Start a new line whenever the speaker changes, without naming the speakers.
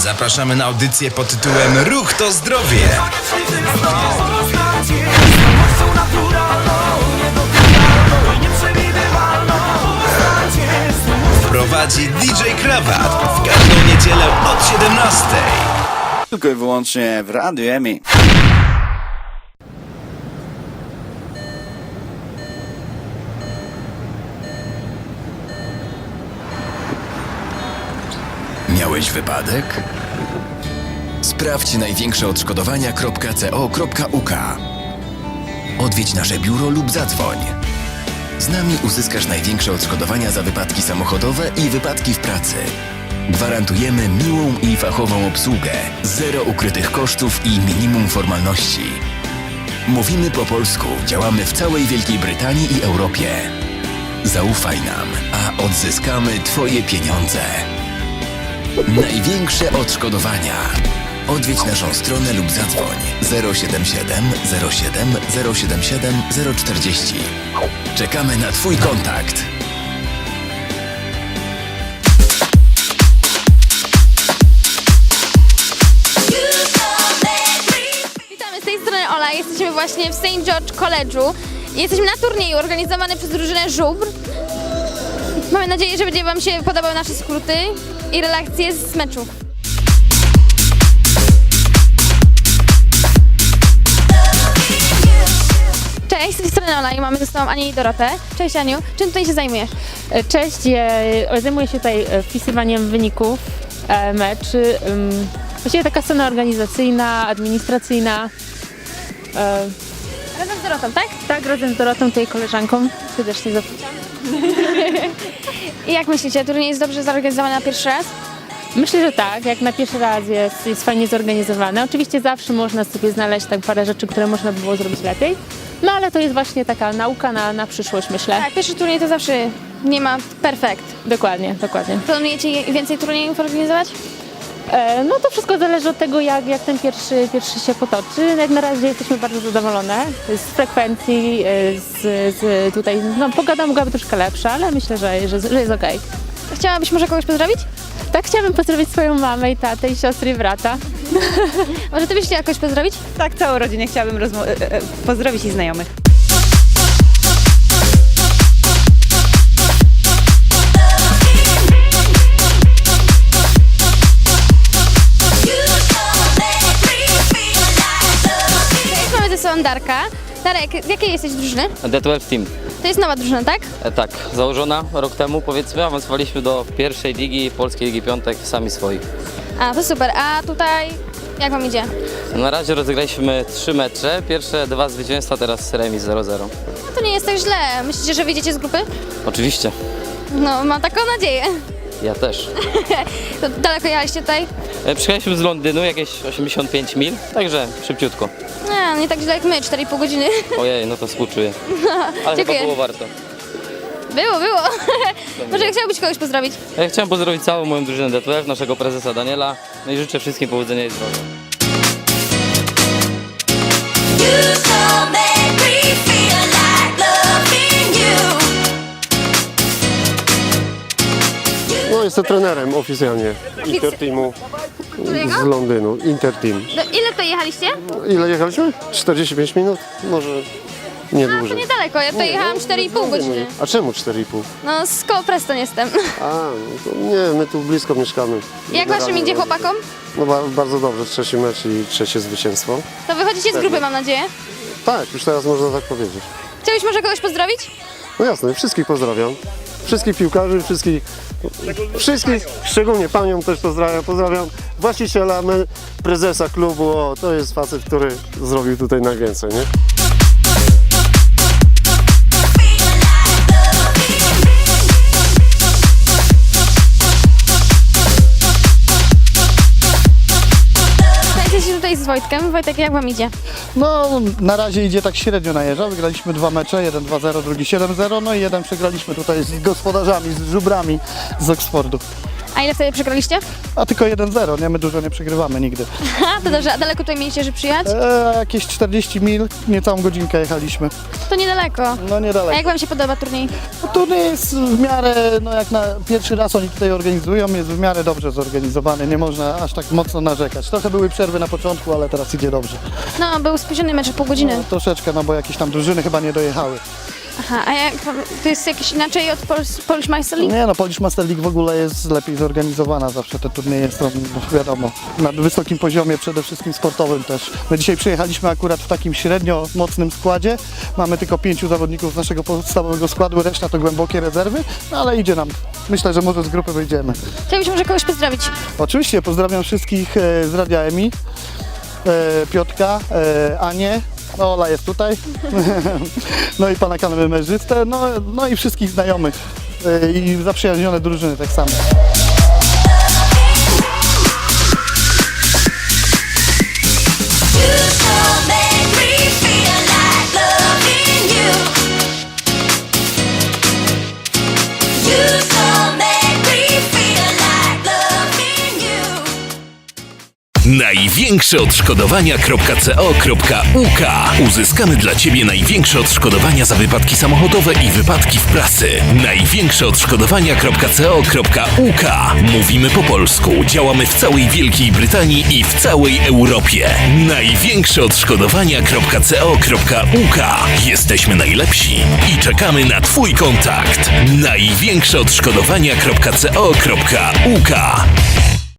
Zapraszamy na audycję pod tytułem Ruch to zdrowie. Prowadzi DJ Krawat w każdą niedzielę od 17.
Tylko i wyłącznie w Radiu EMI.
Miałeś wypadek? Sprawdź największe odszkodowania.co.uk. Odwiedź nasze biuro lub zadzwoń. Z nami uzyskasz największe odszkodowania za wypadki samochodowe i wypadki w pracy. Gwarantujemy miłą i fachową obsługę, zero ukrytych kosztów i minimum formalności. Mówimy po polsku, działamy w całej Wielkiej Brytanii i Europie. Zaufaj nam, a odzyskamy Twoje pieniądze. Największe odszkodowania. Odwiedź naszą stronę lub zadzwoń 077 07 077 040. Czekamy na Twój kontakt.
Witamy, z tej strony Ola. Jesteśmy właśnie w St. George College'u. Jesteśmy na turnieju organizowany przez drużynę Żubr. Mamy nadzieję, że będzie Wam się podobały nasze skróty i relacje z meczu. Cześć, z tej strony Ola i mamy ze sobą Anię i Dorotę. Cześć Aniu, czym tutaj się zajmujesz?
Cześć, zajmuję się tutaj wpisywaniem wyników meczy. Właściwie taka strona organizacyjna, administracyjna.
Razem z Dorotą, tak?
Tak, razem z Dorotą, tutaj koleżanką. Serdecznie zapraszam.
I jak myślicie, turniej jest dobrze zorganizowany na pierwszy raz?
Myślę, że tak, jak na pierwszy raz jest fajnie zorganizowane. Oczywiście zawsze można sobie znaleźć tak parę rzeczy, które można by było zrobić lepiej. No ale to jest właśnie taka nauka na przyszłość, myślę.
Tak, pierwszy turniej to zawsze nie ma perfekt.
Dokładnie, dokładnie.
Planujecie więcej turniejów organizować?
No to wszystko zależy od tego, jak ten pierwszy się potoczy. Jak na razie jesteśmy bardzo zadowolone z frekwencji, tutaj, no pogoda mogłaby troszkę lepsza, ale myślę, że jest okej.
Chciałabyś może kogoś pozdrowić?
Tak, chciałabym pozdrowić swoją mamę i tatę i siostry i brata.
Może Ty byś chciała kogoś pozdrowić?
Tak, całą rodzinę chciałabym pozdrowić i znajomych.
Mamy ze sobą Darka. Darek, z jakiej jesteś drużyny?
The 12 Team.
To jest nowa drużyna, tak?
Tak, założona rok temu, powiedzmy, awansowaliśmy do pierwszej ligi, Polskiej Ligi Piątek, sami swoi.
A, to super. A tutaj jak Wam idzie?
Na razie rozegraliśmy 3 mecze, pierwsze 2 zwycięstwa, teraz remis 0-0.
No to nie jest tak źle. Myślicie, że wyjdziecie z grupy?
Oczywiście,
No, mam taką nadzieję.
ja też.
To daleko jechaliście tutaj?
Przyjechaliśmy z Londynu, jakieś 85 mil, także szybciutko.
Nie tak źle jak my, 4,5 godziny.
Ojej, no to współczuję. Ale
Dziękuję.
chyba było warto.
Było. Może chciałbyś kogoś pozdrowić?
Ja chciałem pozdrowić całą moją drużynę The 12, naszego prezesa Daniela, no i życzę wszystkim powodzenia i zdrowia.
No, jestem trenerem oficjalnie Interteamu z Londynu. Interteam.
Ile tutaj jechaliście?
Ile jechaliśmy? 45 minut? Może nie
To
dłużej.
niedaleko, ja tutaj jechałam 4,5 godziny.
A czemu 4,5?
No, z koło Preston jestem.
A, no to nie, my tu blisko mieszkamy.
Jak Waszym idzie chłopakom?
No bardzo dobrze, trzeci mecz i trzecie zwycięstwo.
To wychodzicie z grupy, mam nadzieję.
Tak, już teraz można tak powiedzieć.
Chciałbyś może kogoś pozdrowić?
No jasne, wszystkich pozdrawiam. Wszystkich piłkarzy, wszystkich, szczególnie panią też pozdrawiam właściciela, prezesa klubu, to jest facet, który zrobił tutaj najwięcej, nie?
Jesteście tutaj z Wojtkiem. Wojtek, jak Wam idzie?
No, na razie idzie tak średnio najeżdża. Wygraliśmy 2 mecze, jeden 2-0, drugi 7-0, no i jeden przegraliśmy tutaj z gospodarzami, z Żubrami z Oxfordu.
A ile wtedy przegraliście?
A tylko 1-0, nie? My dużo nie przegrywamy nigdy.
Aha, to dobrze. A daleko tutaj mieliście, żeby przyjechać?
Jakieś 40 mil, niecałą godzinkę jechaliśmy.
To niedaleko.
No
A
niedaleko.
jak wam się podoba turniej?
Turniej jest w miarę, no jak na pierwszy raz oni tutaj organizują, jest w miarę dobrze zorganizowany, nie można aż tak mocno narzekać. Trochę były przerwy na początku, ale teraz idzie dobrze.
No, był spóźniony mecz o pół godziny.
No, troszeczkę, no bo jakieś tam drużyny chyba nie dojechały.
Aha, a jak, to jest jakieś inaczej od Polish Meister League?
Nie no, Polish Master League w ogóle jest lepiej zorganizowana, zawsze te turnieje są, no, wiadomo, na wysokim poziomie, przede wszystkim sportowym też. My dzisiaj przyjechaliśmy akurat w takim średnio mocnym składzie, mamy tylko 5 zawodników z naszego podstawowego składu, reszta to głębokie rezerwy, no ale idzie nam. Myślę, że może z grupy wyjdziemy.
Chciałbyś może kogoś pozdrowić.
Oczywiście, pozdrawiam wszystkich z Radia EMI, Piotrka, Anię, no Ola jest tutaj, no i pana kamerzystę, no i wszystkich znajomych i zaprzyjaźnione drużyny tak samo.
Największe odszkodowania.co.uk. Uzyskamy dla Ciebie największe odszkodowania za wypadki samochodowe i wypadki w pracy. Największe odszkodowania.co.uk. Mówimy po polsku, działamy w całej Wielkiej Brytanii i w całej Europie. Największe odszkodowania.co.uk. Jesteśmy najlepsi i czekamy na Twój kontakt. Największe odszkodowania.co.uk.